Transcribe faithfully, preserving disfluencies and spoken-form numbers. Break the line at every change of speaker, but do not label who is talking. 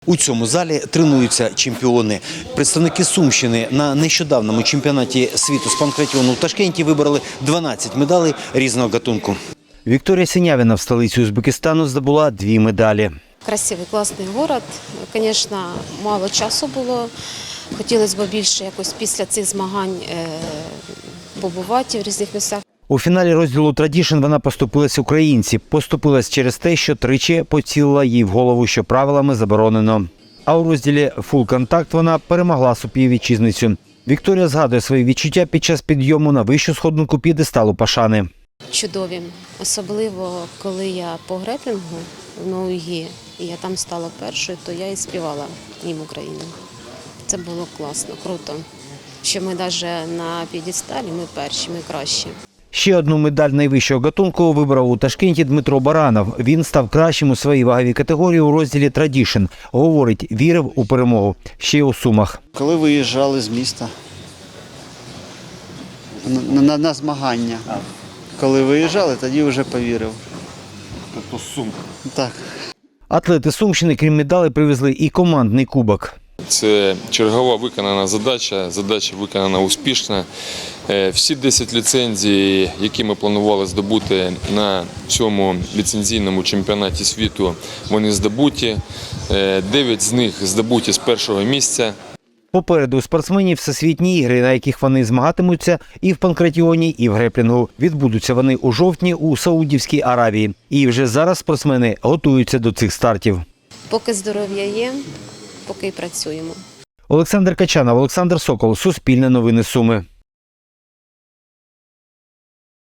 У цьому залі тренуються чемпіони. Представники Сумщини на нещодавному чемпіонаті світу з панкратіону в Ташкенті вибороли дванадцять медалей різного гатунку. Вікторія Синявіна в столиці Узбекистану здобула дві медалі.
Красивий, класний город. Звісно, мало часу було. Хотілося б більше якось після цих змагань побувати в різних місцях.
У фіналі розділу «Традішн» вона поступилась українці. Поступилась через те, що тричі поцілила їй в голову, що правилами заборонено. А у розділі «Фул контакт» вона перемогла співвітчизницю. Вікторія згадує свої відчуття під час підйому на вищу сходинку п'єдесталу Пашани.
Чудові. Особливо, коли я по греплінгу в ногі, і я там стала першою, то я і співала їм Україну. Це було класно, круто. Що ми навіть на п'єдесталі, ми перші, ми кращі.
Ще одну медаль найвищого гатунку вибрав у Ташкенті Дмитро Баранов. Він став кращим у своїй ваговій категорії у розділі «Традішн». Говорить, вірив у перемогу. Ще й у Сумах.
Коли виїжджали з міста на, на, на змагання. Коли виїжджали, тоді вже повірив.
Тобто Сум.
Так.
Атлети Сумщини, крім медалей, привезли і командний кубок.
Це чергова виконана задача, задача виконана успішно. Всі десять ліцензій, які ми планували здобути на цьому ліцензійному чемпіонаті світу, вони здобуті. дев'ять з них здобуті з першого місця.
Попереду у спортсменів всесвітні ігри, на яких вони змагатимуться і в панкратіоні, і в греплінгу. Відбудуться вони у жовтні у Саудівській Аравії. І вже зараз спортсмени готуються до цих стартів.
Поки здоров'я є, поки й працюємо.
Олександр Качанов, Олександр Сокол, Суспільне новини Суми.